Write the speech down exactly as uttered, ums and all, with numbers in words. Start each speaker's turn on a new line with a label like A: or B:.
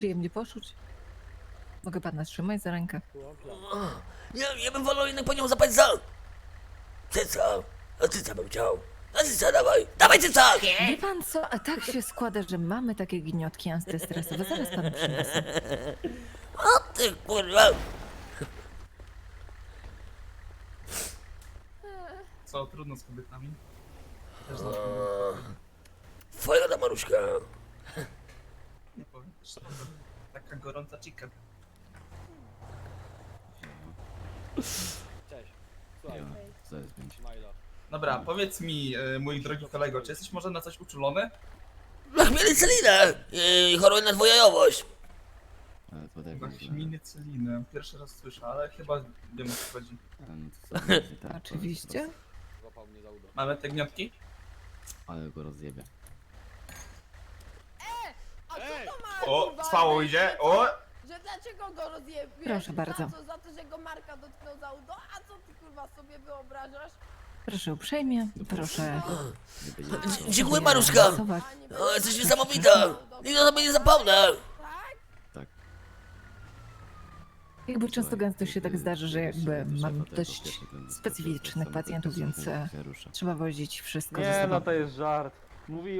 A: Przyjemnie poczuć. Mogę pana trzymać za rękę.
B: Ja, ja bym wolał jednak po nią zapać za... Cyca. A cyca bym chciał. A cyca dawaj. Dawaj cyca!
A: Wie pan co, a tak się składa, że mamy takie gniotki antystresowe. Zaraz panu przyniosę.
B: O ty kurwa.
C: Co, trudno z kobietami? Też
B: O,
C: zawsze
B: Twoja ta Maruszka.
C: nie powiem. Szczerze. Taka gorąca chica.
D: Cześć. Słuchaj,
E: Co jest pięć?
D: Smajla.
C: Dobra, powiedz mi, e, mój drogi kolego, czy jesteś może na coś uczulony?
B: Na chmielicelinę. I choruje na dwojajowość.
E: Ale to tak
C: Na
E: jest, że-
C: chmielicylinę. Pierwszy raz słyszę, ale chyba wiem o co chodzi.
E: A, no to co, będzie tak,
A: Oczywiście.
D: Złapał mnie za udo.
C: Mamy te gniotki?
E: Ale go rozjebie.
F: A co
D: Ej!
F: to ma
C: O,
F: kurwa,
C: trwało
F: że-
C: idzie,
F: że
C: o!
F: co? Że dlaczego go rozjebiesz?
A: Proszę bardzo.
F: Za, co, za to, że go Marka dotknął za udo? A co ty kurwa sobie wyobrażasz?
A: Proszę uprzejmie, proszę.
E: Nie będzie
F: A,
E: co.
B: Dziękuję Maruszka.
A: Rysować.
F: A, nie
B: O, jesteś
F: będzie-
B: niesamowita. Nigdy o tobie nie zapomnę.
F: Tak?
E: Tak.
A: Jakby często
E: Słuchaj,
A: gęsto się tak
E: ty-
A: zdarzy, że
E: ty
A: jakby
E: jeszcze do
A: mam
E: szefa tego
A: dość
E: pierwszy ten-
A: specyficznych
E: ten-
A: pacjentów,
E: ten-
A: więc
E: ten-
A: e,
E: się rusza.
A: trzeba wozić wszystko ze
G: Nie,
A: sobą.
G: no to jest żart. Mówi